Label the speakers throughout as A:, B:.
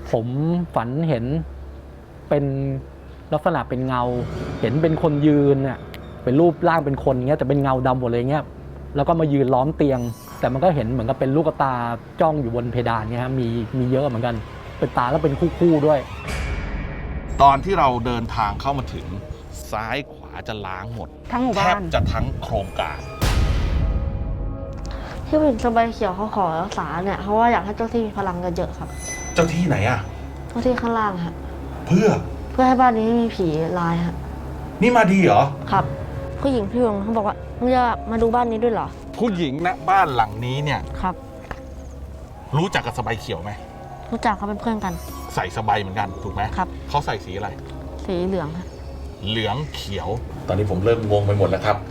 A: ผมฝันเห็นเป็นลักษณะเป็นเงา เห็นเป็นคนยืนเนี่ยเป็นรูปร่างเป็นคนเงี้ยแต่เป็นเงาดำหมดเลยเงี้ยแล้วก็มายืนล้อมเตียง แต่มันก็เห็นเหมือนกับเป็นลูกตาจ้องอยู่บนเพดานเงี้ยมีเยอะเหมือนกันเป็นตาแล้วเป็นคู่ๆด้วย
B: ตอนที่เราเดินทางเข้ามาถึงซ้ายขวาจะล้างหมด
C: ทั้งหมู่
B: แทบ
C: บ้าน
B: จะทั้งโครงการ
D: ที่ผู้หญิงสบายเขียวเขาขอรักษาเนี่ยเพราะว่าอยากให้เจ้าที่มีพลังเยอะๆครับ
B: เจ้าที่ไหนอะ
D: เจ้าที่ข้างล่างฮะ
B: เพื่อ
D: ให้บ้านนี้ไม่มีผีลายฮะ
B: นี่มาดีเหรอ
D: ครับผู้หญิงพี่วงเขาบอกว่ามึงจะมาดูบ้านนี้ด้วยเหรอ
B: ผู้หญิงณบ้านหลังนี้เนี่ย
D: ครับ
B: รู้จักกับสบายเขียวไหม
D: รู้จักเขาเป็นเพื่อนกัน
B: ใส่สบายเหมือนกันถูกไหม
D: ครับ
B: เขาใส่สีอะไร
D: สีเหลืองฮะ
B: เหลืองเขียวตอนนี้ผมเริ่มงงไปหมดแล้วครับ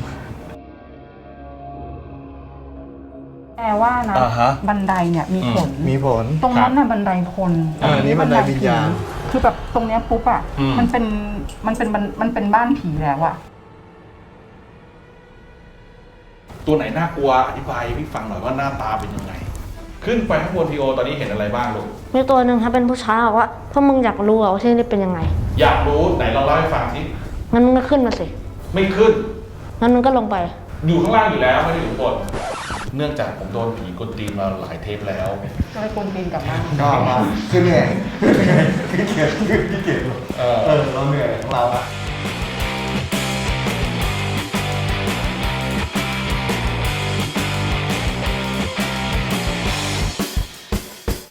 C: แต่ว่านะบันไดเนี่ยมีผลตรงนั้นน่ะบันไดคน
E: นี้บันไดวิญญาณ
C: คือแบบตรงเนี้ยปุ๊บอ่ะมันเป็นบ้านผีแล้วอะ
B: ตัวไหนน่ากลัวอธิบายให้พี่ฟังหน่อยว่าหน้าตาเป็นยังไงขึ้นไปข้างบนทีโอตอนนี้เห็นอะไรบ้างลูก
D: มีตัวหนึ่งครับเป็นผู้ชายบอกว่าพวกมึงอยากรู้ว่าที่นี่เป็นยังไง
B: อยากรู้ไหนลองเล่าให้ฟังสิ
D: งั้นมึงก็ขึ้นมาสิ
B: ไม่ขึ้น
D: งั้นมึงก็ลงไป
B: อยู่ข้างล่างอยู่แล้วไม่ได้อยู่บนเนื่องจากผมโดนผีกดตีนมาหลายเทปแล้ว
C: ก็เลยกดตีนกลับมา
E: ก็มาขึ้นเหนื่อยขี้เกียจเราเหนื่อยของเราอะ